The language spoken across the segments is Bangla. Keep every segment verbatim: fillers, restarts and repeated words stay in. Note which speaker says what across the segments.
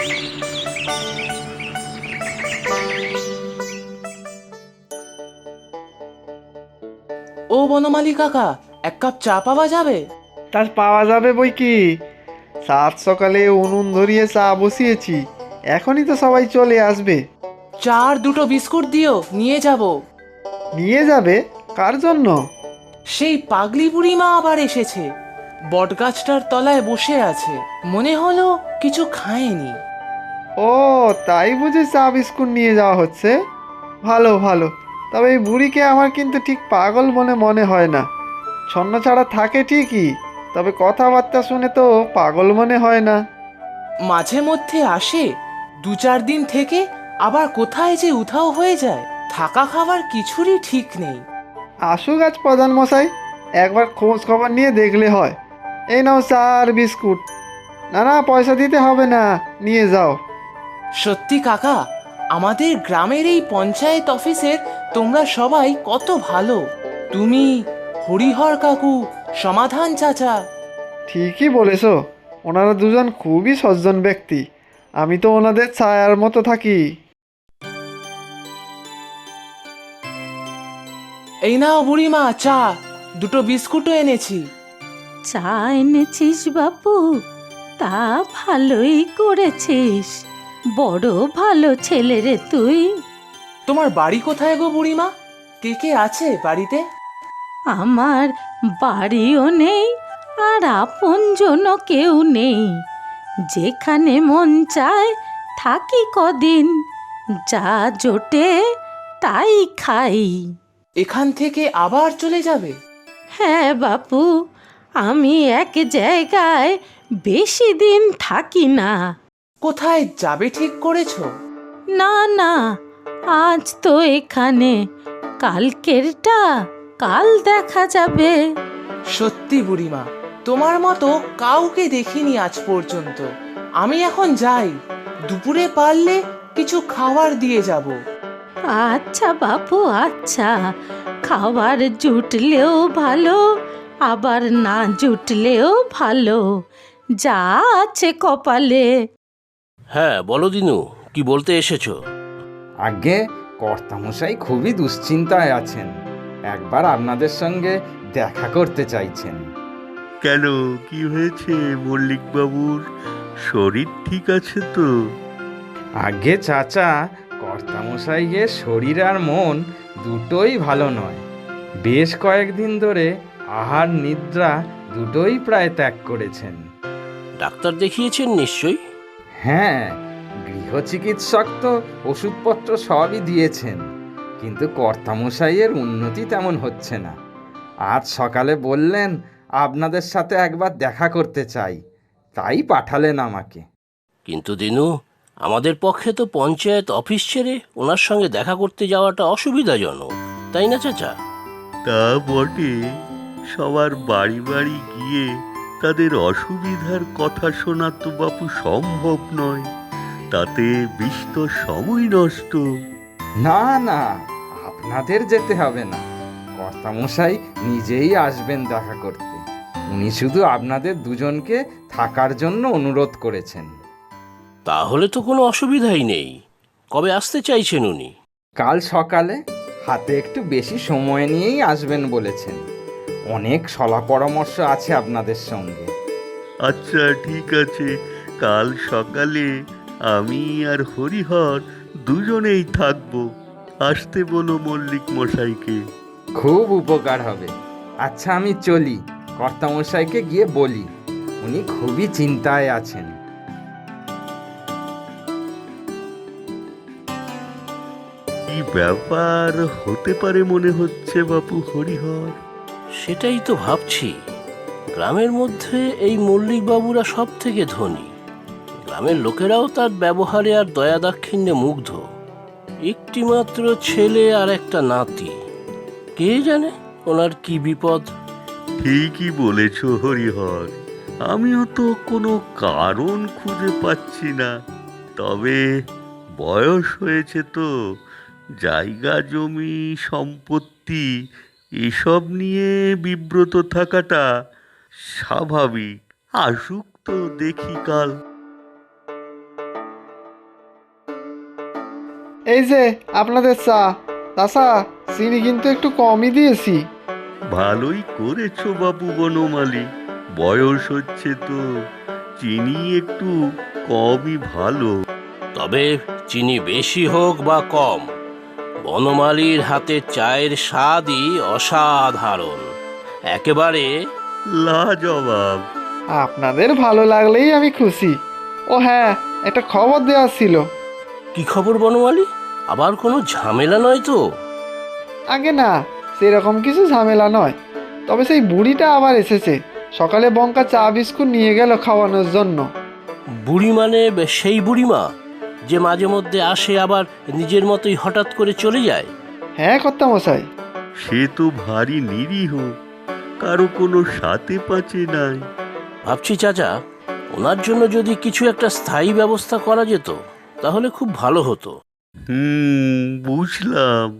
Speaker 1: ও বনমালী কাকা, এক কাপ চা পাওয়া যাবে?
Speaker 2: তা পাওয়া যাবে বই কি। সাত সকালে উনুন ধরিয়ে চা বসিয়েছি, এখনই তো সবাই চলে আসবে।
Speaker 1: চা আর দুটো বিস্কুট দিও, নিয়ে যাব।
Speaker 2: নিয়ে যাবে? কার জন্য?
Speaker 1: সেই পাগলি বুড়ি মা আবার এসেছে, বটগাছটার তলায় বসে আছে, মনে হলো কিছু খায়নি।
Speaker 2: ও, তাই বুঝে চা বিস্কুট নিয়ে যাওয়া হচ্ছে। ভালো ভালো, তবে এই বুড়িকে আমার কিন্তু ঠিক পাগল মনে মনে হয় না। ছন্ন ছাড়া থাকে ঠিকই, তবে কথাবার্তা শুনে তো পাগল মনে হয় না।
Speaker 1: মাঝে মধ্যে আসে, দু চার দিন থেকে আবার কোথায় যে উধাও হয়ে যায়, থাকা খাবার কিছুরই ঠিক নেই।
Speaker 2: আসুক আজ প্রধান মশাই, একবার খোঁজ খবর নিয়ে দেখলে হয়। এই নাও চা আর বিস্কুট। না না, পয়সা দিতে হবে না, নিয়ে যাও।
Speaker 1: সত্যি কাকা, আমাদের গ্রামের এই পঞ্চায়েত অফিসের তোমরা সবাই কত ভালো। তুমি, হরিহর কাকু, সমাধান চাচা।
Speaker 2: ঠিকই বলেছ, ওনারা দুজন খুবই সজ্জন ব্যক্তি। আমি তো ওনাদের ছায়ার মতো থাকি।
Speaker 1: এই নাও বুড়িমা চা, দুটো বিস্কুটও এনেছি।
Speaker 3: চা এনেছিস বাপু? তা ভালোই করেছিস, বড় ভালো ছেলে রে তুই।
Speaker 1: তোমার বাড়ি কোথায় গো বুড়িমা? কে কে আছে বাড়িতে?
Speaker 3: আমার বাড়িও নেই আর আপনজনও কেউ নেই, যেখানে মন চায় থাকি কদিন, যা জোটে তাই খাই।
Speaker 1: এখান থেকে আবার চলে যাবে?
Speaker 3: হ্যাঁ বাপু, আমি এক জায়গায় বেশি দিন থাকি না।
Speaker 1: কোথায় যাবে ঠিক করেছো?
Speaker 3: না না, আজ তো এখানে, কালকেরটা কাল দেখা যাবে।
Speaker 1: সত্যি বুড়িমা, তোমার মতো কাউকে দেখিনি আজ পর্যন্ত। আমি এখন যাই, দুপুরে পারলে কিছু খাবার দিয়ে যাব।
Speaker 3: আচ্ছা বাপু, আচ্ছা, খাবার জুটলেও ভালো, আবার না জুটলেও ভালো, যা আছে কপালে।
Speaker 4: হ্যাঁ বলো দিনু, কি বলতে এসেছো?
Speaker 5: আগে কর্তামশাই খুবই দুশ্চিন্তায় আছেন, একবার আপনাদের সঙ্গে দেখা করতে চাইছেন।
Speaker 6: কেন, কি হয়েছে মল্লিক বাবুর? শরীর ঠিক আছে তো?
Speaker 5: আগে চাচা, কর্তামশাইয়ের শরীর আর মন দুটোই ভালো নয়। বেশ কয়েকদিন ধরে আহার নিদ্রা দুটোই প্রায় ত্যাগ করেছেন।
Speaker 4: ডাক্তার দেখিয়েছেন নিশ্চয়ই?
Speaker 5: হ্যাঁ, গৃহ চিকিৎসক তো ওষুধপত্র সবই দিয়েছেন, কিন্তু কর্তামশাইয়ের উন্নতি তেমন হচ্ছে না। আজ সকালে বললেন আপনাদের সাথে একবার দেখা করতে চাই, তাই পাঠালেন আমাকে।
Speaker 4: কিন্তু দিনু, আমাদের পক্ষে তো পঞ্চায়েত অফিস ছেড়ে ওনার সঙ্গে দেখা করতে যাওয়াটা অসুবিধাজনক, তাই না চাচা?
Speaker 6: তা বটে, সবার বাড়ি বাড়ি গিয়ে তাদের অসুবিধার কথা শোনা তো বাপু সম্ভব নয়, তাতে বিস্তর সময় নষ্ট।
Speaker 5: না না, আপনাদের যেতে হবে না, কর্তামশাই নিজেই আসবেন দেখা করতে। উনি শুধু আপনাদের দুজনকে থাকার জন্য অনুরোধ করেছেন।
Speaker 4: তাহলে তো কোনো অসুবিধাই নেই। কবে আসতে চাইছেন উনি?
Speaker 5: কাল সকালে, হাতে একটু বেশি সময় নিয়েই আসবেন বলেছেন। অনেক সলা পরামর্শ আছে আপনাদের সঙ্গে।
Speaker 6: আচ্ছা ঠিক আছে, কাল সকালে আমি আর হরিহর দুজনেই থাকবো। আসতে বলো মল্লিক মশাইকে।
Speaker 5: খুব উপকার হবে। আচ্ছা আমি চলি, কর্তামশাইকে গিয়ে বলি, উনি খুবই চিন্তায় আছেন।
Speaker 6: কি ব্যাপার হতে পারে মনে হচ্ছে বাপু হরিহর?
Speaker 4: সেটাই তো ভাবছি। গ্রামের মধ্যে এই মল্লিক বাবুরা সব থেকে ধনী, গ্রামের লোকেরাও তার ব্যবহারে আর দয়া দাক্ষিণ্যে মুগ্ধ। একটি মাত্র ছেলে আর একটা নাতি, কে জানে ওনার কি বিপদ।
Speaker 6: ঠিকই বলেছ হরিহর, আমিও তো কোনো কারণ খুঁজে পাচ্ছি না। তবে বয়স হয়েছে তো, জায়গা জমি সম্পত্তি এসব নিয়ে বিব্রত থাকাটা স্বাভাবিক। আসুক তো দেখি কাল।
Speaker 2: এই যে আপনাদের চা। চাচা, চিনি কিন্তু একটু কমই দিয়েছি।
Speaker 6: ভালোই করেছো বাবু বনমালী, বয়স হচ্ছে তো, চিনি একটু কমই ভালো।
Speaker 4: তবে চিনি বেশি হোক বা কম, বনমালীর হাতের চায়ের স্বাদই অসাধারণ, একেবারে
Speaker 6: লাজবাব।
Speaker 2: আপনাদের ভালো লাগলেই আমি খুশি। ও হ্যাঁ, একটা খবর দেওয়ার ছিল।
Speaker 4: কি খবর বনমালী? আবার কোনো ঝামেলা নয় তো?
Speaker 2: আগে না, সেরকম কিছু ঝামেলা নয়। তবে সেই বুড়িটা আবার এসেছে। সকালে বঙ্কা চা বিস্কুট নিয়ে গেল খাওয়ানোর জন্য।
Speaker 4: বুড়ি মানে বে- সেই বুড়িমা যে মাঝে মধ্যে আসে আবার নিজের মতোই হঠাৎ করে চলে যায়?
Speaker 2: হ্যাঁ কর্তামশাই।
Speaker 6: সে তো ভারী নিরীহ, কারো কোনো সাথে পাচে নাই।
Speaker 4: ভাবছি চাচা, ওনার জন্য যদি কিছু একটা স্থায়ী ব্যবস্থা করা যেত তাহলে খুব ভালো হতো।
Speaker 6: হুম, বুঝলাম।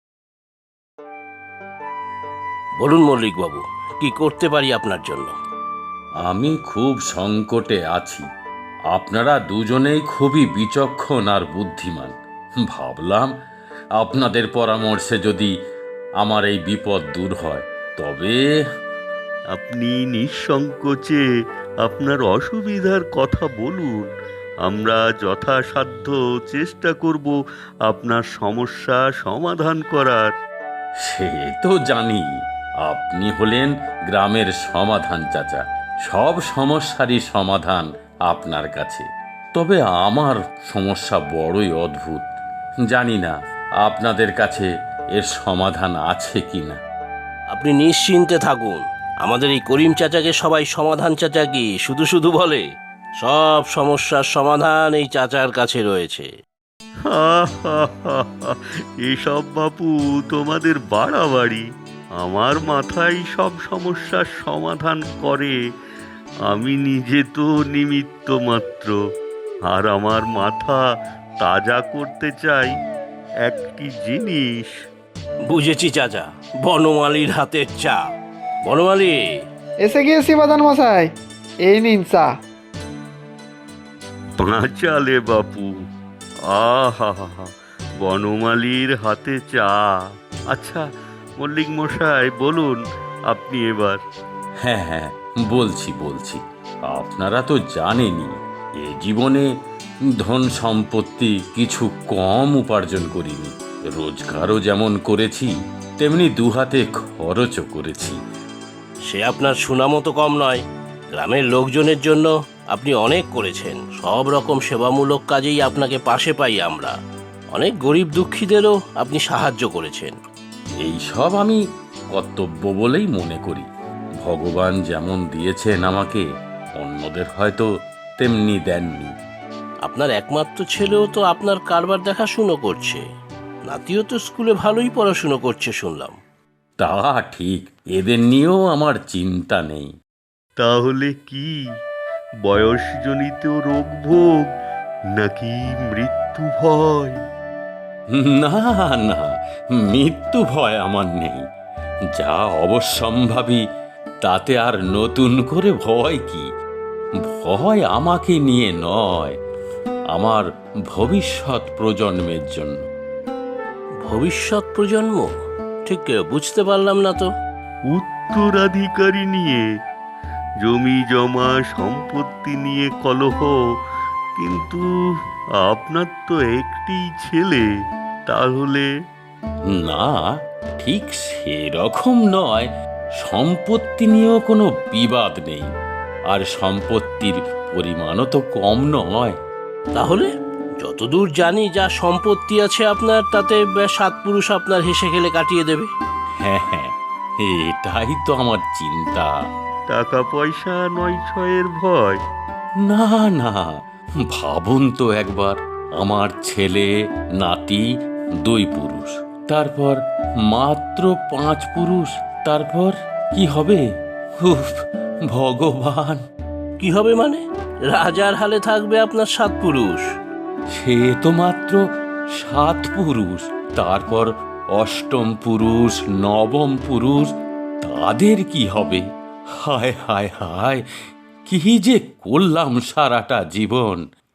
Speaker 4: বলুন মল্লিক বাবু, কি করতে পারি আপনার জন্য?
Speaker 7: আমি খুব সংকটে আছি। আপনারা দুজনেই খুবই বিচক্ষণ আর বুদ্ধিমান। ভাবলাম আপনাদের পরামর্শে যদি আমার এই বিপদ দূর হয় তবে।
Speaker 6: আপনি নিঃসংকোচে আপনার অসুবিধার কথা বলুন, আমরা যথাসাধ্য চেষ্টা করব আপনার সমস্যা সমাধান করার।
Speaker 7: সে তো জানি, আপনি হলেন গ্রামের সমাধান চাচা। সব সমস্যারই সমাধান আপনার কাছে। তবে আমার সমস্যা বড়ই অদ্ভুত। জানি না আপনাদের কাছে এর সমাধান আছে কি না।
Speaker 4: আপনি নিশ্চিন্তে থাকুন, আমাদের এই করিম চাচাকে সবাই সমাধান চাচা কি শুধু শুধু বলে। সব সমস্যার সমাধান এই চাচার কাছে রয়েছে।
Speaker 6: হা হা হা হা, এসব বাপু তোমাদের বাড়াবাড়ি। আমার মাথায় সব সমস্যার সমাধান করে, আমি নিজে তো নিমিত্ত মাত্র। আর আমার মাথা তাজা করতে চাই একটি জিনিস।
Speaker 4: বুঝেছি চাচা, বনমালীর হাতের চা। বনমালী,
Speaker 2: এসে গিয়েছি বাদান মশাই, এই নিন চা।
Speaker 6: পাঁচালে বাপু, আহা হা হা, বনমালীর হাতে চা। আচ্ছা মল্লিক মশাই, বলুন আপনি এবার।
Speaker 7: হ্যাঁ হ্যাঁ, বলছি বলছি আপনারা তো জানেনই এ জীবনে ধন সম্পত্তি কিছু কম উপার্জন করিনি। রোজগারও যেমন করেছি তেমনি দুহাতে খরচও করেছি।
Speaker 4: সে আপনার সুনামও তো কম নয়। গ্রামের লোকজনের জন্য আপনি অনেক করেছেন, সব রকম সেবামূলক কাজেই আপনাকে পাশে পাই আমরা। অনেক গরিব দুঃখীদেরও আপনি সাহায্য করেছেন।
Speaker 7: এই সব আমি কর্তব্য বলেই মনে করি। ভগবান যেমন দিয়েছেন আমাকে, অন্যদের হয়তো তেমনি দেননি।
Speaker 4: আপনার একমাত্র ছেলেও তো আপনার কারবার দেখাশুনো করছে, নাতিও তো স্কুলে ভালোই পড়াশুনো করছে শুনলাম।
Speaker 7: তা ঠিক, এদের নিয়েও আমার চিন্তা নেই।
Speaker 6: তাহলে কি বয়সজনিত রোগ ভোগ নাকি মৃত্যু ভয়?
Speaker 7: না না, মৃত্যু ভয় আমার নেই। যা অবশ্যম্ভাবী তাতে আর নতুন করে ভয় কি? ভয় আমাকে নিয়ে নয়, আমার ভবিষ্যৎ প্রজন্মের জন্য।
Speaker 4: ভবিষ্যৎ প্রজন্ম? ঠিক বুঝতে পারলাম না তো।
Speaker 6: উত্তরাধিকারী নিয়ে, জমি জমা সম্পত্তি নিয়ে কলহ। কিন্তু আপনার তো একটি ছেলে, তাহলে?
Speaker 7: না, ঠিক সেরকম নয়। সম্পত্তি নিয়েও কোনো বিবাদ নেই, আর সম্পত্তির পরিমাণও তো কম নয়।
Speaker 4: তাহলে যতদূর জানি যা সম্পত্তি আছে আপনার, তাতে বে- সাত পুরুষ আপনার হেসে খেলে কাটিয়ে দেবে।
Speaker 7: হ্যাঁ হ্যাঁ, এটাই তো আমার চিন্তা।
Speaker 6: টাকা পয়সা নয় ছয়ের ভয়?
Speaker 7: না না, ভাবুন তো একবার, আমার ছেলে নাতি দুই পুরুষ, তারপর মাত্র পাঁচ পুরুষ, তারপর কি হবে? উফ, ভগবান!
Speaker 4: কি হবে মানে? রাজার হালে থাকবে আপনার সাত পুরুষ।
Speaker 7: সে তো মাত্র সাত পুরুষ, তারপর অষ্টম পুরুষ, নবম পুরুষ, তাদের কি হবে? হায় হায় হায়, কি যে করলাম সারাটা জীবন!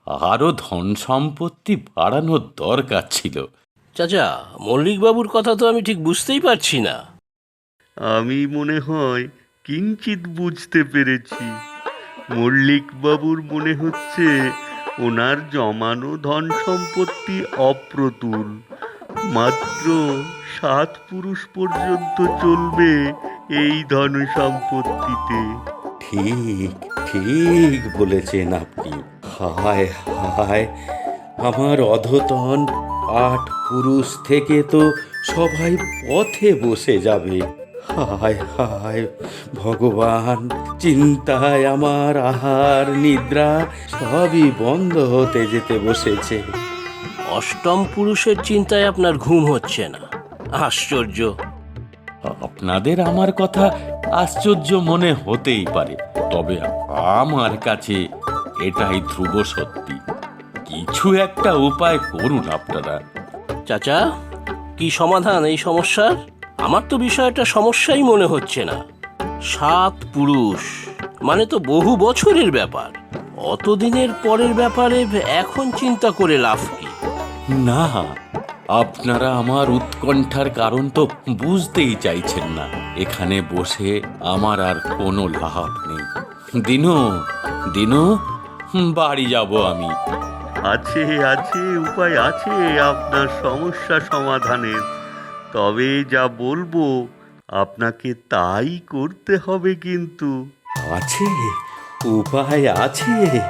Speaker 7: আরও ধন সম্পত্তি বাড়ানোর দরকার ছিল।
Speaker 4: চাচা, মল্লিকবাবুর কথা তো আমি ঠিক বুঝতেই পারছি না।
Speaker 6: আমি মনে হয় কিঞ্চিত বুঝতে পেরেছি। মল্লিকবাবুর মনে হচ্ছে ওনার জমানো ধন সম্পত্তি অপ্রতুল, মাত্র সাত পুরুষ পর্যন্ত চলবে এই ধন সম্পত্তিতে।
Speaker 7: ঠিক ঠিক বলেছেন আপনি। হায় হায়, আমার অধতন আট পুরুষ থেকে তো সবাই পথে বসে যাবে। হায় হায় ভগবান, চিন্তায় আমার আহার নিদ্রা সবই বন্ধ হতে যেতে বসেছে।
Speaker 4: অষ্টম পুরুষের চিন্তায় আপনার ঘুম হচ্ছে না? আশ্চর্য।
Speaker 7: আপনাদের আমার কথা আশ্চর্য মনে হতেই পারে, তবে আমার কাছে এটাই ধ্রুব সত্যি। কিছু একটা উপায় করুন আপনারা।
Speaker 4: চাচা, কি সমাধান এই সমস্যার? আমার তো বিষয়টা সমস্যাই মনে হচ্ছে না। সাত পুরুষ মানে তো বহু বছরের ব্যাপার। অতদিনের পরের ব্যাপারে এখন চিন্তা করে লাভ কি?
Speaker 7: না, আপনারা আমার উৎকণ্ঠার কারণ তো বুঝতেই চাইছেন না। এখানে বসে আমার আর কোনো লাভ নেই। দিনু দিনু বাড়ি যাব আমি।
Speaker 6: আছে আছে উপায় আছে আপনার সমস্যা সমাধানের, তবে যা বলবো আপনাকে তাই করতে হবে। কিন্তু
Speaker 7: আছে, উপায় আছে,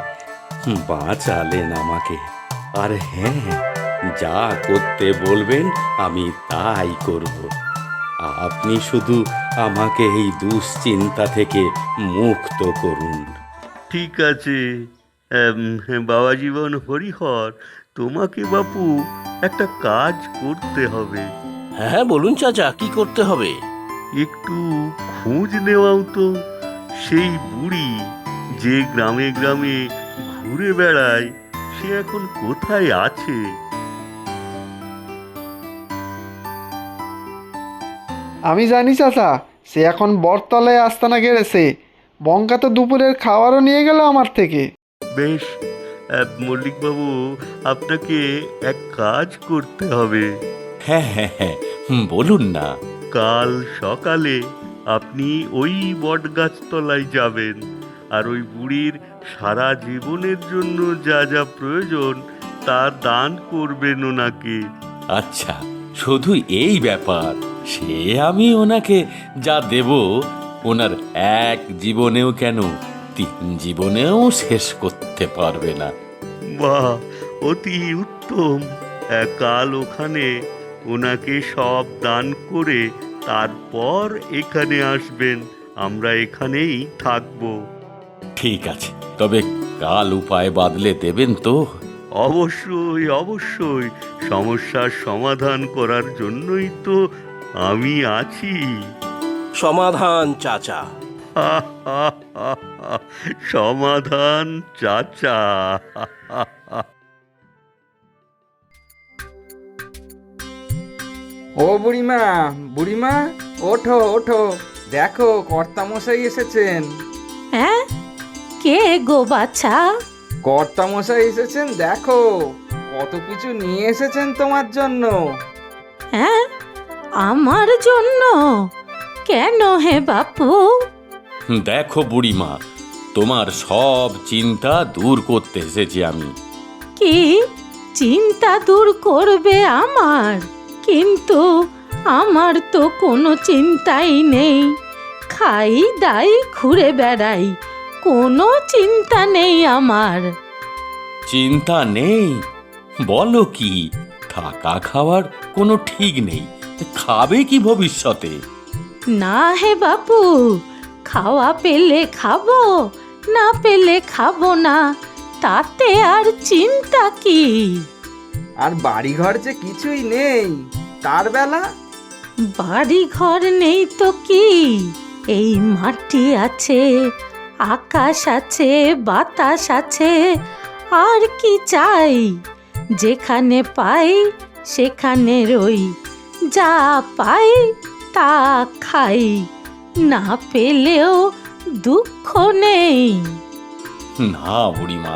Speaker 7: বাঁচালেন আমাকে। আর হ্যাঁ, যা করতে বলবেন আমি তাই করব। আপনি শুধু আমাকে এই দুশ্চিন্তা থেকে মুক্ত করুন।
Speaker 6: ঠিক আছে এম, বাবা জীবন হরিহর, তোমাকে বাপু একটা কাজ করতে হবে।
Speaker 4: হ্যাঁ বলুন চাচা, কি করতে হবে?
Speaker 6: একটু খোঁজ নেওয়াও তো সেই বুড়ি যে গ্রামে গ্রামে ঘুরে বেড়ায়, সে এখন কোথায় আছে?
Speaker 2: আমি জানি চাচা, সে এখন বটতলায় আস্তানা গেড়েছে। বঙ্কা তো দুপুরের খাবারও নিয়ে গেল আমার থেকে।
Speaker 6: বেশ, আহ, মল্লিকবাবু, আপনাকে এক কাজ করতে হবে।
Speaker 7: হ্যাঁ হ্যাঁ হ্যাঁ, বলুন না।
Speaker 6: কাল সকালে আপনি ওই বটগাছতলায় যাবেন, আর ওই বুড়ির সারা জীবনের জন্য যা যা প্রয়োজন তা দান করবেন ওনাকে।
Speaker 7: আচ্ছা, শুধু এই ব্যাপার? সে আমি ওনাকে যা দেব ওনার এক জীবনেও কেন তিন জীবনেও শেষ করতে পারবে না।
Speaker 6: বাহ, অতি উত্তম। আহ, কাল ওখানে ওনাকে সব দান করে তারপর এখানে আসবেন। আমরা এখানেই থাকবো।
Speaker 7: ঠিক আছে, তবে কাল উপায় বাদলে দেবেন তো?
Speaker 6: অবশ্যই অবশ্যই, সমস্যার সমাধান করার জন্যই তো আমি আছি।
Speaker 4: সমাধান চাচা।
Speaker 6: সমাধান চাচা।
Speaker 5: ও বুড়িমা, বুড়িমা, ওঠো ওঠো, দেখো কর্তামশাই এসেছেন।
Speaker 3: হ্যাঁ, কে গো বাছা?
Speaker 5: কর্তামশাই এসেছেন, দেখো কত কিছু নিয়ে এসেছেন তোমার জন্য।
Speaker 3: হ্যাঁ, আমার জন্য? কেন হে বাপু?
Speaker 7: দেখো বুড়িমা, তোমার সব চিন্তা দূর করতে এসেছি আমি।
Speaker 3: কি চিন্তা দূর করবে আমার? কিন্তু আমার তো কোনো চিন্তাই নেই। খাই দাই ঘুরে বেড়াই, কোনো চিন্তা নেই আমার।
Speaker 7: চিন্তা নেই? বলো কি? থাকা খাওয়ার কোনো ঠিক নেই, খাবে কি ভবিষ্যতে?
Speaker 3: না হে বাপু, খাওয়া পেলে খাবো, না পেলে খাবো না, তাতে আর চিন্তা কি?
Speaker 5: আর বাড়িঘর যে কিছুই নেই, তার বেলা?
Speaker 3: বাড়ি ঘর নেই তো কি, এই মাটি আছে, আকাশ আছে, বাতাস আছে, আর কি চাই? যেখানে পাই সেখানে রই, যা পাই তা খাই, না পেলেও দুঃখ নেই।
Speaker 7: না বুড়িমা,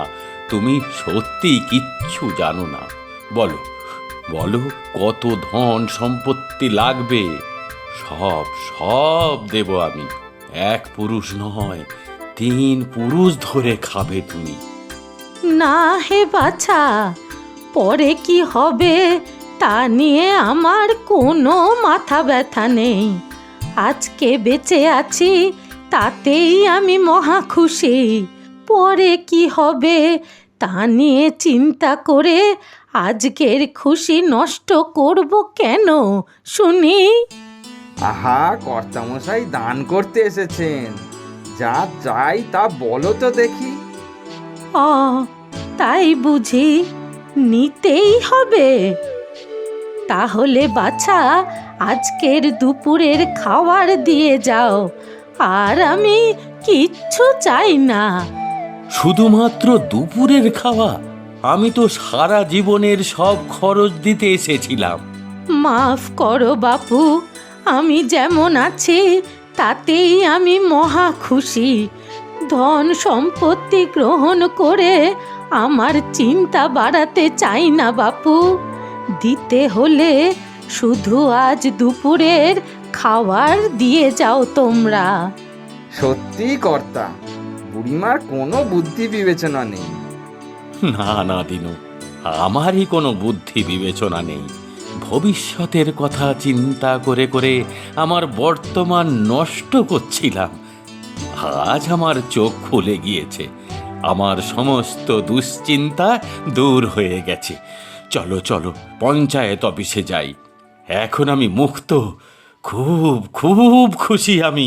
Speaker 7: তুমি সত্যি কিচ্ছু জানো না। বলো বলো, কত ধন সম্পত্তি লাগবে? সব সব দেব আমি। এক পুরুষ নয়, তিন পুরুষ ধরে খাবে তুমি।
Speaker 3: না হে বাছা, পরে কি হবে তা নিয়ে আমার কোনো মাথা ব্যথা নেই। আজকে বেঁচে আছি তাতেই আমি মহা খুশি। পরে কি হবে তা নিয়ে চিন্তা করে আজকের খুশি নষ্ট করব কেন শুনি?
Speaker 5: আহা, কর্তামশাই দান করতে এসেছেন, যা চাই তা বলো তো দেখি।
Speaker 3: ও তাই বুঝি, নিতেই হবে? তাহলে বাছা, আজকের দুপুরের খাবার দিয়ে যাও, আর আমি কিচ্ছু চাই না।
Speaker 7: শুধুমাত্র দুপুরের খাওয়া? আমি তো সারা জীবনের সব খরচ দিতে এসেছিলাম।
Speaker 3: মাফ করো বাপু, আমি যেমন আছি তাতেই আমি মহা খুশি। ধন সম্পত্তি গ্রহণ করে আমার চিন্তা বাড়াতে চাই না বাপু। দিতে হলে শুধু আজ দুপুরের খাবার দিয়ে যাও তোমরা।
Speaker 5: সত্যি কর্তা, বুড়িমার কোনো বুদ্ধি বিবেচনা নেই।
Speaker 7: না না দিনু, আমারই কোনো বুদ্ধি বিবেচনা নেই। ভবিষ্যতের কথা চিন্তা করে করে আমার বর্তমান নষ্ট করছিলাম। আজ আমার চোখ খুলে গিয়েছে, আমার সমস্ত দুশ্চিন্তা দূর হয়ে গেছে। চলো চলো, পঞ্চায়েত অফিসে যাই। এখন আমি মুক্ত, খুব খুব খুশি আমি।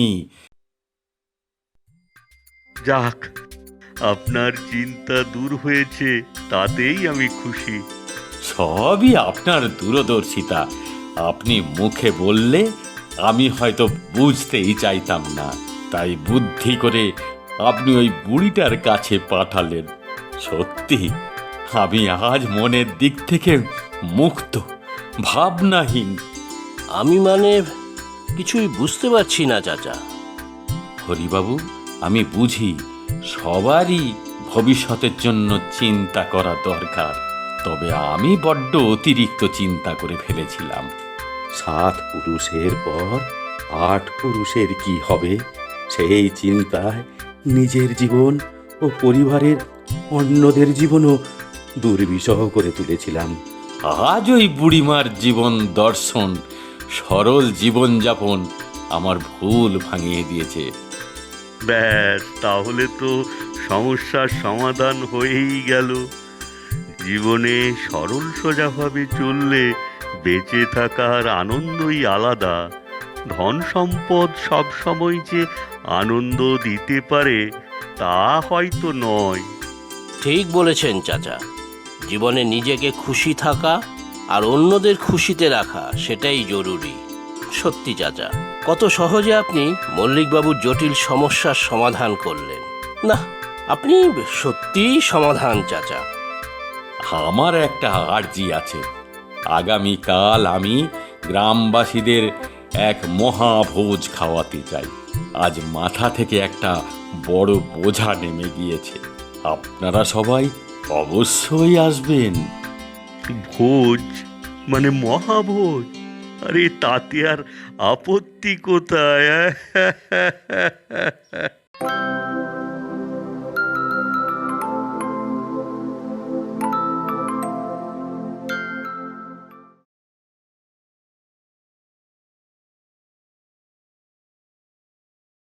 Speaker 6: যাক, আপনার চিন্তা দূর হয়েছে, তাতেই আমি খুশি।
Speaker 7: সবই আপনার দূরদর্শিতা। আপনি মুখে বললে আমি হয়তো বুঝতেই চাইতাম না, তাই বুদ্ধি করে আপনি ওই বুড়িটার কাছে পাঠালেন। সত্যি আমি আজ মনের দিক থেকে মুক্ত, ভাবনাহীন।
Speaker 4: আমি মানে কিছুই বুঝতে পারছি না চাচা।
Speaker 7: হরিবাবু, আমি বুঝি সবারই ভবিষ্যতের জন্য চিন্তা করা দরকার, তবে আমি বড্ড অতিরিক্ত চিন্তা করে ফেলেছিলাম। সাত পুরুষের পর আট পুরুষের কি হবে, সেই চিন্তায় নিজের জীবন ও পরিবারের অন্যদের জীবনও দুর্বিষহ করে তুলেছিলাম। আজ ওই বুড়িমার জীবন দর্শন, সরল জীবনযাপন আমার ভুল ভাঙিয়ে দিয়েছে।
Speaker 6: ব্যাস, তাহলে তো সমস্যার সমাধান হয়েই গেল। জীবনে সরল সোজাভাবে চললে বেঁচে থাকার আনন্দই আলাদা। ধন সম্পদ সব সময় যে আনন্দ দিতে পারে তা হয়তো নয়।
Speaker 4: ঠিক বলেছেন চাচা। জীবনে নিজেকে খুশি থাকা আর অন্যদের খুশিতে রাখা, সেটাই জরুরি। সত্যি চাচা, কত সহজে আপনি মল্লিকবাবুর জটিল সমস্যার সমাধান করলেন। না, আপনি সত্যিই সমাধান চাচা।
Speaker 7: আমার একটা আর্জি আছে। আগামীকাল আমি গ্রামবাসীদের এক মহাভোজ খাওয়াতে চাই। আজ মাথা থেকে একটা বড় বোঝা নেমে গিয়েছে। আপনারা সবাই অবশ্যই আসবেন।
Speaker 6: ভোজ মানে মহাভোজ? আরে তাতে আর আপত্তি কোথায়?